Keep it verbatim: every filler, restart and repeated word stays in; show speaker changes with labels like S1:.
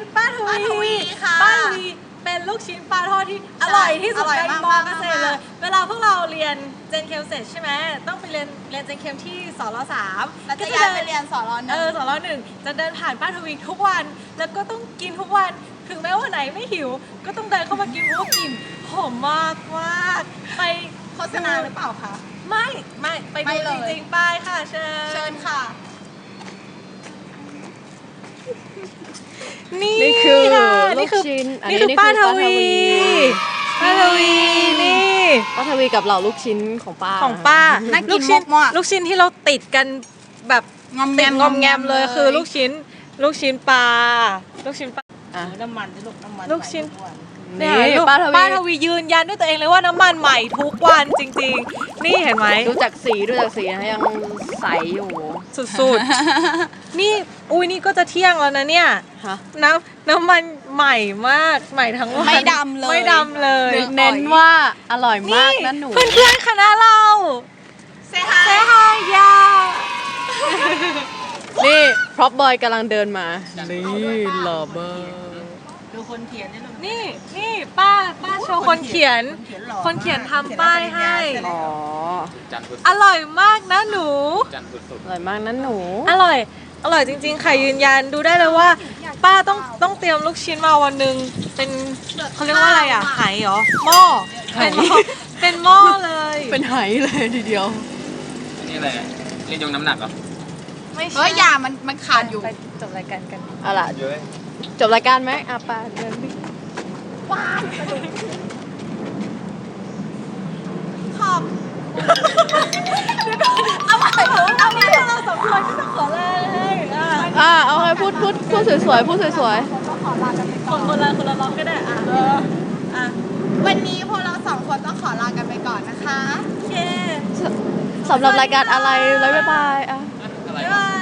S1: ป้าท
S2: ป้าทวี
S1: วี
S2: ค่ะ
S1: ป้าทวีเป็นลูกชิ้นปลาทอดที่อร่อยที่สุด
S2: อร่อย
S1: ใน
S2: มาก
S1: มอเกษตรเลย
S2: มาก
S1: เวลาพวกเราเรียนเจนเคมเสร็จใช่ไหมต้องไปเรียนเรียนเจนเคมที่สรสาม
S2: แล้วจะย้ายไปเรียนสอนรห
S1: เอ
S2: นึ่
S1: อง สรหนึ่งจะเดินผ่านป้าทวีทุกวัน แล้วก็ต้องกินทุกวันถึงแม้ว่าไหนไม่หิว ก็ต้องเดินเข้ามากินเพราะว่ากลิ่นหอมมากมากไป
S2: โฆษณาหรือเปล่าคะ
S1: ไม่ไม่ไป
S2: ไม่
S1: ดู
S2: เล
S1: จ
S2: ย
S1: ริงๆไปค่ะเชิญ
S2: เชิญค่ะ
S1: นี่
S3: นี่คือ
S1: ค่ะ
S3: ลู
S1: นี่
S3: ก
S1: คือ
S3: ชิ้นอันนี้
S1: นี่คือ
S3: นี่คือ
S1: ป้าท
S3: ป้าทวี
S1: วีป้าทวีนี่
S3: ป้าทวีกับเหล่าลูกชิ้นของป้า
S1: ของป้า
S2: น่ากิน
S1: ลูกชิ้น
S2: มากๆ
S1: ลูกชิ้นที่เราติดกันแบบ
S2: งอมแง
S1: ติด
S2: ม
S1: งอมแงมเลยคือลูกชิ้น ลูกชิ้นปลาลูกชิ้นปลา
S3: อ่ะ
S2: น้ำมันที่ลูกน้ำมัน
S1: ลูกชิ้น
S3: นี่
S1: เนี่ยลูก
S3: ป้าทวี
S1: ป้าทวียืนยันด้วยตัวเองเลยว่าน้ำมันใหม่ทุกวันจริงๆ นี่เห็นไหม
S3: ดูจากสีดูจากสีนะยังใสอยู่
S1: สุดๆ นี่อุ้ยนี่ก็จะเที่ยงแล้วนะเนี่ย
S3: ฮะ
S1: น้ำน้ำมันใหม่มากใหม่ทั้งวัน
S2: ไม่ดำเลย
S1: ไม่ดำเลย
S3: เน้นว่าอร่อยมากนะหนู
S1: เพื่อนๆคณะเรา
S2: เซฮา
S1: เซฮายา
S3: นี่พร็อพบอยกำลังเดินมา นี่หล่อมาก
S2: ดูคนเขียนนี่ลูก
S1: นี่นี่ป้าป้าโชว์คนเขียน คนเขียนทำป้ายให้
S3: อ๋อ
S4: จันทร์พุธ
S1: อร่อยมากนะหนู
S4: จันทร์พุธศุก
S3: อ
S4: ร์
S3: ร่อยมากนะหนู
S1: อร่อย อร่อยจริงๆ ค่ะยืนยันดูได้เลยว่า ป้าต้องต้องเตรียมลูกชิ้นมาวันหนึ่งเป็นเขาเรียกว่าอะไรอ่ะไหเหรอหม้อเป็นหม้อเป็นหม้อเลย
S3: เป็นไหเลยทีเดียว
S4: อันนี้อะไรอะเรียนยงน้ำหนักเหรอ
S1: ไม่ใช่
S2: เฮ้ยอย่ามันมันขาดอยู่
S1: ไปจบรายการกัน
S3: เอาล่ะ
S4: เยอะ
S3: จบรายการไหมอ่ะป้าเดินไป
S2: ขอบ
S1: เอาใหม่เอาใหม่เราสองคนก็จะขอลาเลยอ่ะ
S3: อ่ะเอาให้พูดพูดพูดสวยๆพูดสวย
S1: คนคนละคนละล็อกก็ได้อ่ะเอออ่ะ
S2: วันนี้พวกเราสองคนต้องขอลากันไปก่อนนะคะ
S1: โอเค
S3: ๆสำหรับรายการอะไรแล้วบ๊ายบายอ่ะ
S4: อะไร
S1: บ๊ายบาย